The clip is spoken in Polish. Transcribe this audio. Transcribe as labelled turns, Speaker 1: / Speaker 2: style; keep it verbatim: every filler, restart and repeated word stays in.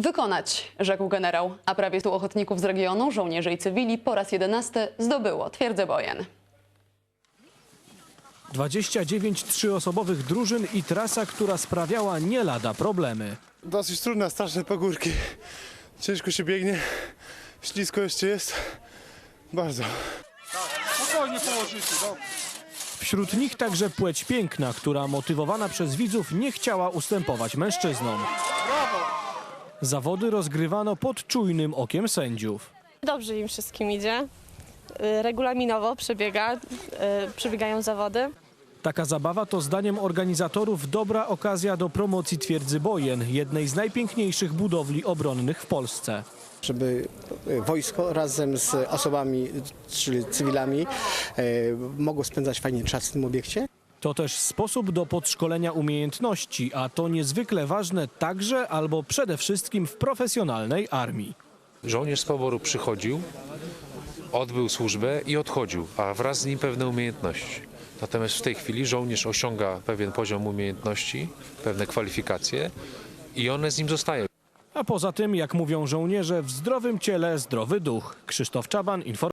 Speaker 1: Wykonać, rzekł generał, a prawie stu ochotników z regionu, żołnierzy i cywili po raz jedenasty zdobyło twierdzę Bojen.
Speaker 2: dwadzieścia dziewięć trzyosobowych drużyn i trasa, która sprawiała nie lada problemy.
Speaker 3: Dosyć trudne, straszne pagórki. Ciężko się biegnie, ślisko jeszcze jest. Bardzo.
Speaker 4: Spokojnie położycie, dobrze.
Speaker 2: Wśród nich także płeć piękna, która motywowana przez widzów nie chciała ustępować mężczyznom. Zawody rozgrywano pod czujnym okiem sędziów.
Speaker 5: Dobrze im wszystkim idzie. Y, Regulaminowo przebiega, y, przebiegają zawody.
Speaker 2: Taka zabawa to zdaniem organizatorów dobra okazja do promocji twierdzy Bojen, jednej z najpiękniejszych budowli obronnych w Polsce.
Speaker 6: Żeby wojsko razem z osobami, czyli cywilami, e, mogło spędzać fajnie czas w tym obiekcie.
Speaker 2: To też sposób do podszkolenia umiejętności, a to niezwykle ważne także albo przede wszystkim w profesjonalnej armii.
Speaker 7: Żołnierz z poboru przychodził, odbył służbę i odchodził, a wraz z nim pewne umiejętności. Natomiast w tej chwili żołnierz osiąga pewien poziom umiejętności, pewne kwalifikacje i one z nim zostają.
Speaker 2: A poza tym, jak mówią żołnierze, w zdrowym ciele zdrowy duch. Krzysztof Czaban, informacja.